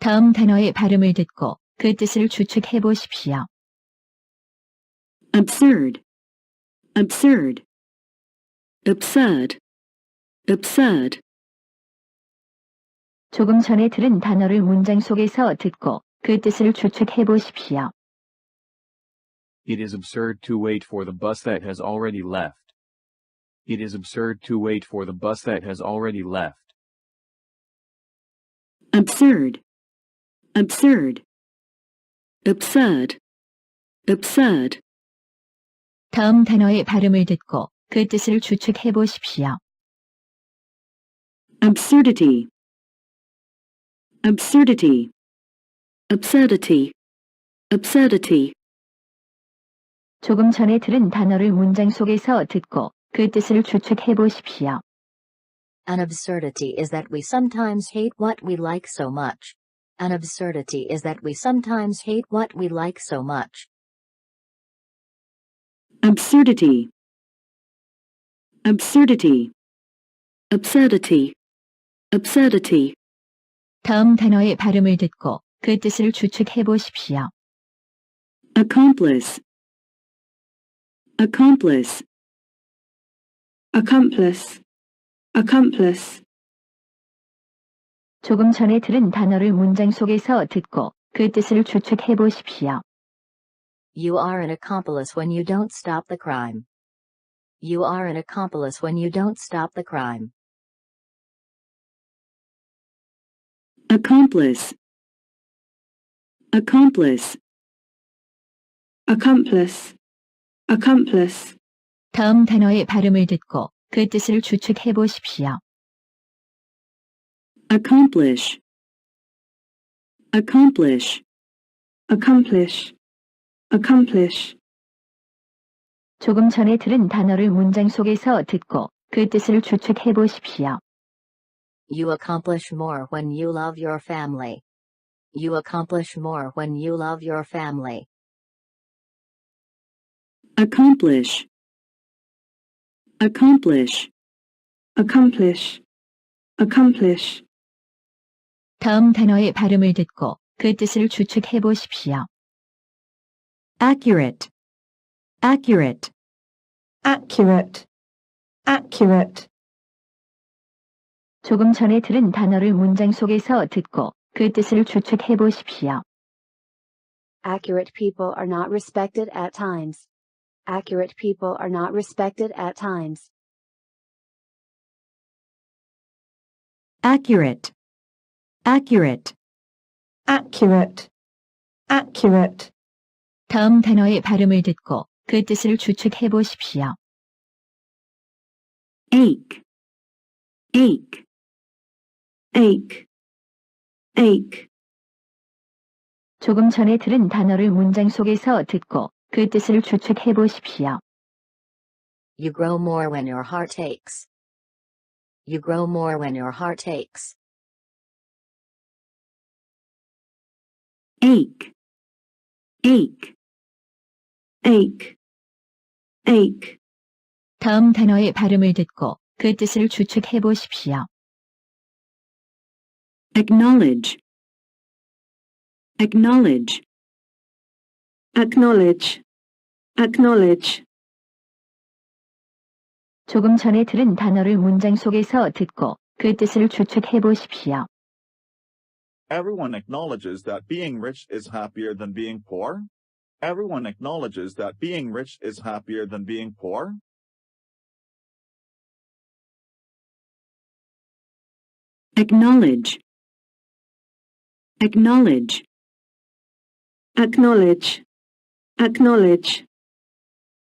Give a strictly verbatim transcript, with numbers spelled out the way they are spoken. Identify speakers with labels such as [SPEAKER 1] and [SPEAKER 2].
[SPEAKER 1] 다음 단어의 발음을 듣고 그 뜻을 추측해 보십시오.
[SPEAKER 2] absurd, absurd, absurd, absurd.
[SPEAKER 1] 조금 전에 들은 단어를 문장 속에서 듣고 그 뜻을 추측해 보십시오.
[SPEAKER 3] It is absurd to wait for the bus that has already left. It is absurd to wait for the bus that has already left.
[SPEAKER 2] absurd, absurd, absurd, absurd.
[SPEAKER 1] 다음 단어의 발음을 듣고 그 뜻을 추측해 보십시오.
[SPEAKER 2] absurdity, absurdity, absurdity, absurdity.
[SPEAKER 1] 조금 전에 들은 단어를 문장 속에서 듣고 그 뜻을 추측해 보십시오.
[SPEAKER 4] An absurdity is that we sometimes hate what we like so much. An absurdity is that we sometimes hate what we like so much.
[SPEAKER 2] absurdity, absurdity, absurdity, absurdity.
[SPEAKER 1] 다음 단어의 발음을 듣고 그 뜻을 추측해 보십시오.
[SPEAKER 2] accomplice, accomplice, accomplice, accomplice.
[SPEAKER 1] 조금 전에 들은 단어를 문장 속에서 듣고 그 뜻을 추측해 보십시오.
[SPEAKER 4] You are an accomplice when you don't stop the crime. You are an accomplice when you don't stop the crime.
[SPEAKER 2] accomplice, accomplice, accomplice, accomplice.
[SPEAKER 1] 다음 단어의 발음을 듣고 그 뜻을 추측해 보십시오.
[SPEAKER 2] accomplish, accomplish, accomplish, accomplish.
[SPEAKER 1] 조금 전에 들은 단어를 문장 속에서 듣고 그 뜻을 추측해 보십시오.
[SPEAKER 4] You accomplish more when you love your family. You accomplish more when you love your family.
[SPEAKER 2] accomplish, accomplish, accomplish, accomplish.
[SPEAKER 1] 다음 단어의 발음을 듣고 그 뜻을 추측해 보십시오.
[SPEAKER 2] accurate, accurate, accurate, accurate.
[SPEAKER 1] 조금 전에 들은 단어를 문장 속에서 듣고 그 뜻을 추측해 보십시오.
[SPEAKER 5] Accurate people are not respected at times. Accurate people are not respected at times.
[SPEAKER 2] accurate, accurate, accurate, accurate.
[SPEAKER 1] 다음 단어의 발음을 듣고 그 뜻을 추측해 보십시오.
[SPEAKER 2] ache, ache, ache, ache.
[SPEAKER 1] 조금 전에 들은 단어를 문장 속에서 듣고 그 뜻을 추측해 보십시오.
[SPEAKER 4] You grow more when your heart aches. You grow more when your heart aches.
[SPEAKER 2] ache, ache, ache, ache.
[SPEAKER 1] 다음 단어의 발음을 듣고 그 뜻을 추측해 보십시오.
[SPEAKER 2] acknowledge, acknowledge, acknowledge, acknowledge.
[SPEAKER 1] 조금 전에 들은 단어를 문장 속에서 듣고 그 뜻을 추측해 보십시오.
[SPEAKER 6] Everyone acknowledges that being rich is happier than being poor. Everyone acknowledges that being rich is happier than being poor.
[SPEAKER 2] acknowledge, acknowledge, acknowledge, acknowledge.